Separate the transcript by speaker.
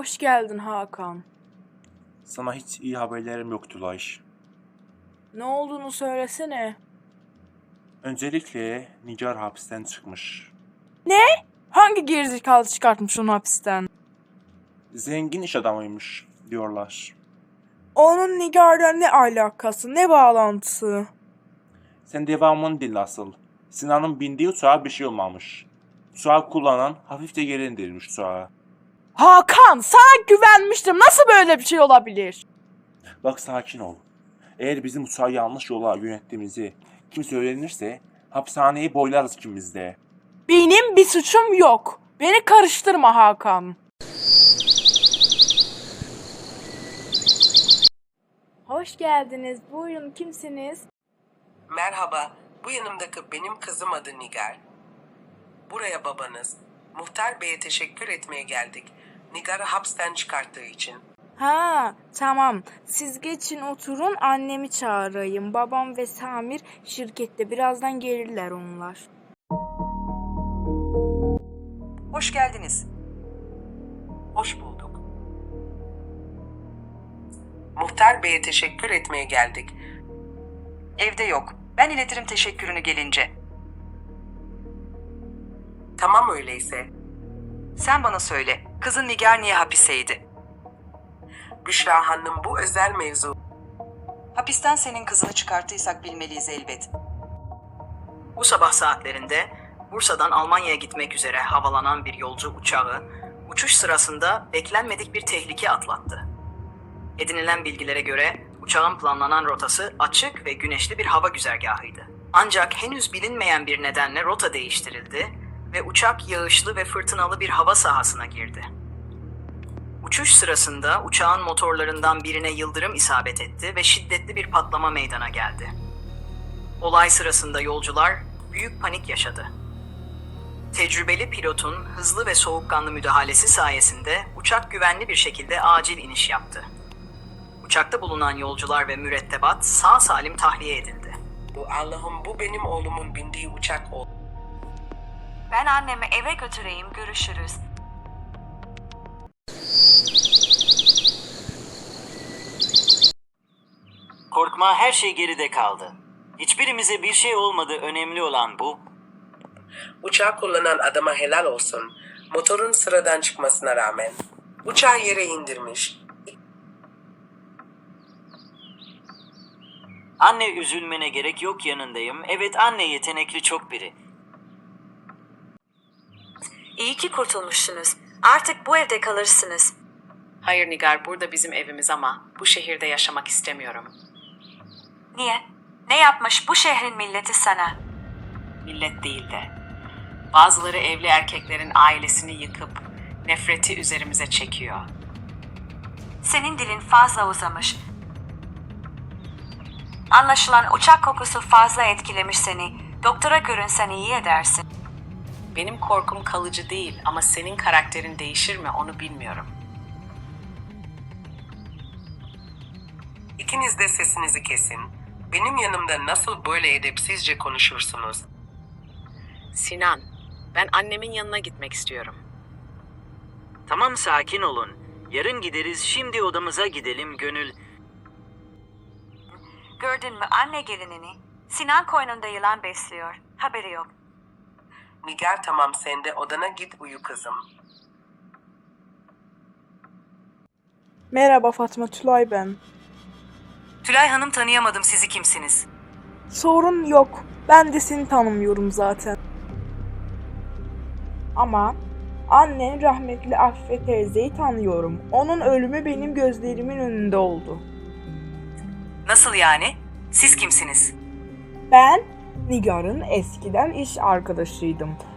Speaker 1: Hoş geldin Hakan.
Speaker 2: Sana hiç iyi haberlerim yok Tülay.
Speaker 1: Ne olduğunu söylesene.
Speaker 2: Öncelikle Nigar hapisten çıkmış.
Speaker 1: Hangi gerizekalı çıkartmış onu hapisten?
Speaker 2: Zengin iş adamıymış diyorlar.
Speaker 1: Onun Nigar'la ne alakası, ne bağlantısı?
Speaker 2: Sen devamını dinle asıl. Sinan'ın bindiği uçağa bir şey olmamış. Uçağı kullanan hafifçe geri indirilmiş uçağa.
Speaker 1: Hakan, sana güvenmiştim. Nasıl böyle bir şey olabilir?
Speaker 2: Bak sakin ol. Eğer bizim uçağı yanlış yola yönettiğimizi kimse öğrenirse hapishaneyi boylarız ikimiz de.
Speaker 1: Benim bir suçum yok. Beni karıştırma Hakan. Hoş geldiniz. Buyurun, kimsiniz?
Speaker 3: Merhaba, bu yanımdaki benim kızım adı Nigar. Buraya babanız, Muhtar Bey'e teşekkür etmeye geldik. Nigar'ı hapisten çıkarttığı için.
Speaker 1: Ha, tamam. Siz geçin oturun, annemi çağırayım. Babam ve Samir şirkette. Birazdan gelirler onlar.
Speaker 4: Hoş geldiniz.
Speaker 3: Hoş bulduk. Muhtar Bey'e teşekkür etmeye geldik.
Speaker 4: Evde yok. Ben iletirim teşekkürünü gelince.
Speaker 3: Tamam öyleyse.
Speaker 4: Sen bana söyle, kızın Nigar niye hapisteydi?
Speaker 3: Büşra Hanım, bu özel mevzu.
Speaker 4: Hapisten senin kızını çıkarttıysak bilmeliyiz elbet. Bu sabah saatlerinde Bursa'dan Almanya'ya gitmek üzere havalanan bir yolcu uçağı uçuş sırasında beklenmedik bir tehlike atlattı. Edinilen bilgilere göre uçağın planlanan rotası açık ve güneşli bir hava güzergahıydı. Ancak henüz bilinmeyen bir nedenle rota değiştirildi ve uçak yağışlı ve fırtınalı bir hava sahasına girdi. Uçuş sırasında uçağın motorlarından birine yıldırım isabet etti ve şiddetli bir patlama meydana geldi. Olay sırasında yolcular büyük panik yaşadı. Tecrübeli pilotun hızlı ve soğukkanlı müdahalesi sayesinde uçak güvenli bir şekilde acil iniş yaptı. Uçakta bulunan yolcular ve mürettebat sağ salim tahliye edildi.
Speaker 3: Allah'ım, bu benim oğlumun bindiği uçak oldu.
Speaker 5: Ben annemi eve götüreyim, görüşürüz.
Speaker 6: Korkma, her şey geride kaldı. Hiçbirimize bir şey olmadı, önemli olan bu.
Speaker 3: Uçağı kullanan adama helal olsun. Motorun sıradan çıkmasına rağmen. Uçağı yere indirmiş.
Speaker 6: Anne, üzülmene gerek yok, yanındayım. Evet, anne yetenekli çok biri.
Speaker 5: İyi ki kurtulmuşsunuz. Artık bu evde kalırsınız.
Speaker 7: Hayır Nigar, burada bizim evimiz ama bu şehirde yaşamak istemiyorum.
Speaker 5: Niye? Ne yapmış bu şehrin milleti sana?
Speaker 7: Millet değil de. Bazıları evli erkeklerin ailesini yıkıp nefreti üzerimize çekiyor.
Speaker 5: Senin dilin fazla uzamış. Anlaşılan uçak kokusu fazla etkilemiş seni. Doktora görünsen iyi edersin.
Speaker 7: Benim korkum kalıcı değil ama senin karakterin değişir mi onu bilmiyorum.
Speaker 3: İkiniz de sesinizi kesin. Benim yanımda nasıl böyle edepsizce konuşursunuz?
Speaker 7: Sinan, ben annemin yanına gitmek istiyorum.
Speaker 6: Tamam, sakin olun. Yarın gideriz, şimdi odamıza gidelim Gönül.
Speaker 5: Gördün mü anne gelinini? Sinan koynunda yılan besliyor. Haberi yok.
Speaker 3: Nigar, tamam, sen de odana git, uyu kızım.
Speaker 1: Merhaba Fatma, Tülay ben.
Speaker 4: Tülay Hanım, tanıyamadım, sizi kimsiniz?
Speaker 1: Sorun yok. Ben de seni tanımıyorum zaten. Ama annen rahmetli Afife teyzeyi tanıyorum. Onun ölümü benim gözlerimin önünde oldu.
Speaker 4: Nasıl yani? Siz kimsiniz?
Speaker 1: Ben Nigar'ın eskiden iş arkadaşıydım.